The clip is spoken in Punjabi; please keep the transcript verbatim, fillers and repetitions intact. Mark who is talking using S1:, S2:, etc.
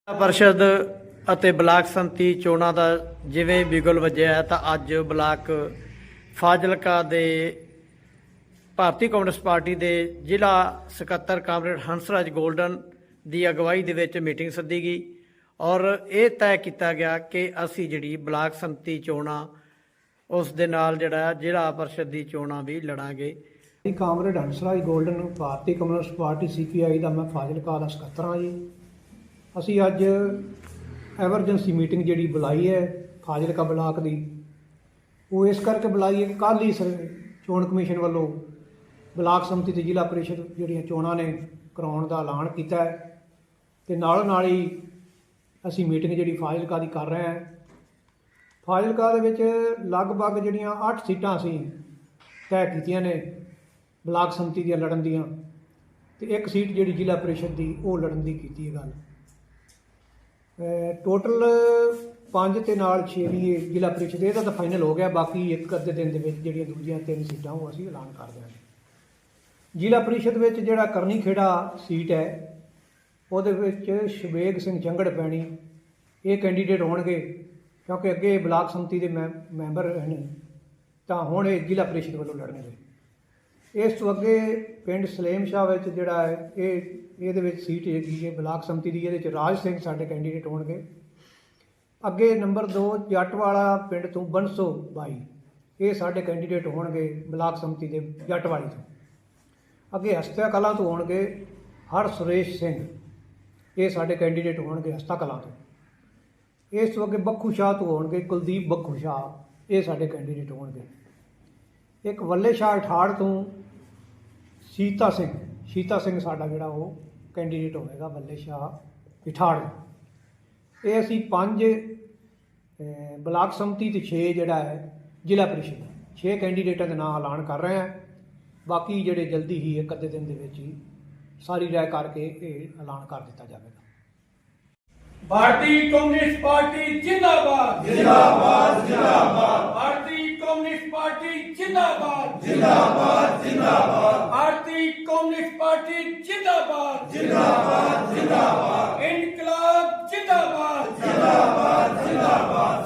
S1: परिषद ਅਤੇ ਬਲਾਕ ਸੰਮਤੀ ਚੋਣਾਂ ਦਾ ਜਿਵੇਂ ਬਿਗਲ ਵੱਜਿਆ ਤਾਂ ਅੱਜ ਬਲਾਕ ਫਾਜ਼ਿਲਕਾ ਦੇ ਭਾਰਤੀ ਕਮਿਊਨਿਸਟ ਪਾਰਟੀ ਦੇ ਜ਼ਿਲ੍ਹਾ ਸਕੱਤਰ ਕਾਮਰੇਡ ਹੰਸਰਾਜ ਗੋਲਡਨ ਦੀ ਅਗਵਾਈ ਦੇ ਵਿੱਚ ਮੀਟਿੰਗ ਸੱਦੀ ਗਈ ਔਰ ਇਹ ਤੈਅ ਕੀਤਾ ਗਿਆ ਕਿ ਅਸੀਂ ਜਿਹੜੀ ਬਲਾਕ ਸੰਮਤੀ ਚੋਣਾਂ ਉਸ ਦੇ ਨਾਲ ਜਿਹੜਾ ਜ਼ਿਲ੍ਹਾ ਪਰਿਸ਼ਦ ਦੀ ਚੋਣਾਂ ਵੀ ਲੜਾਂਗੇ।
S2: ਕਾਮਰੇਡ ਹੰਸਰਾਜ ਗੋਲਡਨ ਭਾਰਤੀ communist party C P I ਦਾ ਮੈਂ ਫਾਜ਼ਿਲਕਾ ਦਾ ਸਕੱਤਰ ਹਾਂ ਜੀ। ਅਸੀਂ ਅੱਜ ਐਮਰਜੈਂਸੀ ਮੀਟਿੰਗ ਜਿਹੜੀ ਬੁਲਾਈ ਹੈ ਫਾਜ਼ਿਲਕਾ ਬਲਾਕ ਦੀ, ਉਹ ਇਸ ਕਰਕੇ ਬੁਲਾਈ ਹੈ ਕਿ ਕੱਲ੍ਹ ਹੀ ਚੋਣ ਕਮਿਸ਼ਨ ਵੱਲੋਂ ਬਲਾਕ ਸੰਮਤੀ ਤੇ ਜ਼ਿਲ੍ਹਾ ਪਰਿਸ਼ਦ ਜਿਹੜੀਆਂ ਚੋਣਾਂ ਨੇ ਕਰਾਉਣ ਦਾ ਐਲਾਨ ਕੀਤਾ ਹੈ ਅਤੇ ਨਾਲ ਨਾਲ ਹੀ ਅਸੀਂ ਮੀਟਿੰਗ ਜਿਹੜੀ ਫਾਜ਼ਿਲਕਾ ਦੀ ਕਰ ਰਹੇ ਹਾਂ। ਫਾਜ਼ਿਲਕਾ ਦੇ ਵਿੱਚ ਲਗਭਗ ਜਿਹੜੀਆਂ ਅੱਠ ਸੀਟਾਂ ਅਸੀਂ ਤੈਅ ਕੀਤੀਆਂ ਨੇ ਬਲਾਕ ਸੰਮਤੀ ਦੀਆਂ ਲੜਨ ਦੀਆਂ, ਅਤੇ ਇੱਕ ਸੀਟ ਜਿਹੜੀ ਜ਼ਿਲ੍ਹਾ ਪਰਿਸ਼ਦ ਦੀ ਉਹ ਲੜਨ ਦੀ ਕੀਤੀ ਹੈ ਗੱਲ। ਟੋਟਲ ਪੰਜ ਅਤੇ ਨਾਲ ਛੇ ਵੀ ਜ਼ਿਲ੍ਹਾ ਪਰਿਸ਼ਦ ਇਹਦਾ ਤਾਂ ਫਾਈਨਲ ਹੋ ਗਿਆ, ਬਾਕੀ ਇੱਕ ਅੱਧੇ ਦਿਨ ਦੇ ਵਿੱਚ ਜਿਹੜੀਆਂ ਦੂਜੀਆਂ ਤਿੰਨ ਸੀਟਾਂ ਉਹ ਅਸੀਂ ਐਲਾਨ ਕਰ ਦਿਆਂਗੇ। ਜ਼ਿਲ੍ਹਾ ਪਰਿਸ਼ਦ ਵਿੱਚ ਜਿਹੜਾ ਕਰਨੀ ਖੇੜਾ ਸੀਟ ਹੈ ਉਹਦੇ ਵਿੱਚ ਸ਼ਵੇਗ ਸਿੰਘ ਜੰਗੜ ਪੈਣੀ ਇਹ ਕੈਂਡੀਡੇਟ ਹੋਣਗੇ, ਕਿਉਂਕਿ ਅੱਗੇ ਬਲਾਕ ਸੰਮਤੀ ਦੇ ਮੈ ਮੈਂਬਰ ਨੇ ਤਾਂ ਹੁਣ ਇਹ ਜ਼ਿਲ੍ਹਾ ਪਰਿਸ਼ਦ ਵੱਲੋਂ ਲੜਨਗੇ। ਇਸ ਤੋਂ ਅੱਗੇ ਪਿੰਡ ਸਲੇਮ ਸ਼ਾਹ ਵਿੱਚ ਜਿਹੜਾ ਹੈ ਇਹ ਇਹਦੇ ਵਿੱਚ ਸੀਟ ਹੈਗੀ ਹੈ ਬਲਾਕ ਸੰਮਤੀ ਦੀ, ਇਹਦੇ ਵਿੱਚ ਰਾਜ ਸਿੰਘ ਸਾਡੇ ਕੈਂਡੀਡੇਟ ਹੋਣਗੇ। ਅੱਗੇ ਨੰਬਰ ਦੋ ਜੱਟਵਾਲਾ ਪਿੰਡ ਤੋਂ ਬੰਸੋ ਬਾਈ ਇਹ ਸਾਡੇ ਕੈਂਡੀਡੇਟ ਹੋਣਗੇ ਬਲਾਕ ਸੰਮਤੀ ਦੇ ਜੱਟਵਾਲੀ ਤੋਂ। ਅੱਗੇ ਹਸਤਾ ਕਲਾਂ ਤੋਂ ਹੋਣਗੇ ਹਰ ਸੁਰੇਸ਼ ਸਿੰਘ ਇਹ ਸਾਡੇ ਕੈਂਡੀਡੇਟ ਹੋਣਗੇ ਹਸਤਾ ਕਲਾਂ ਤੋਂ। ਇਸ ਤੋਂ ਅੱਗੇ ਬੱਖੂ ਸ਼ਾਹ ਤੋਂ ਹੋਣਗੇ ਕੁਲਦੀਪ ਬੱਖੂ ਸ਼ਾਹ ਇਹ ਸਾਡੇ ਕੈਂਡੀਡੇਟ ਹੋਣਗੇ। ਇੱਕ ਵੱਲੇ ਸ਼ਾਹ ਅਠਾੜ ਤੋਂ ਸੀਤਾ ਸਿੰਘ ਸੀਤਾ ਸਿੰਘ ਸਾਡਾ ਜਿਹੜਾ ਉਹ ਕੈਂਡੀਡੇਟ ਹੋਵੇਗਾ ਵੱਲੇ ਸ਼ਾਹ ਇਠਾੜ। ਇਹ ਅਸੀਂ ਪੰਜ ਬਲਾਕ ਸੰਮਤੀ ਅਤੇ ਛੇ ਜਿਹੜਾ ਹੈ ਜ਼ਿਲ੍ਹਾ ਪਰਿਸ਼ਦ ਛੇ ਕੈਂਡੀਡੇਟਾਂ ਦੇ ਨਾਂ ਐਲਾਨ ਕਰ ਰਹੇ ਹਾਂ। ਬਾਕੀ ਜਿਹੜੇ ਜਲਦੀ ਹੀ ਇੱਕ ਅੱਧੇ ਦਿਨ ਦੇ ਵਿੱਚ ਹੀ ਸਾਰੀ ਰਾਇ ਕਰਕੇ ਇਹ ਐਲਾਨ ਕਰ ਦਿੱਤਾ ਜਾਵੇਗਾ।
S3: भारतीय कम्युनिस्ट पार्टी जिंदाबाद जिंदाबाद जिंदाबाद भारतीय कम्युनिस्ट पार्टी जिंदाबाद जिंदाबाद जिंदाबाद भारतीय कम्युनिस्ट पार्टी जिंदाबाद जिंदाबाद जिंदाबाद इनकलाब जिंदाबाद जिंदाबाद जिंदाबाद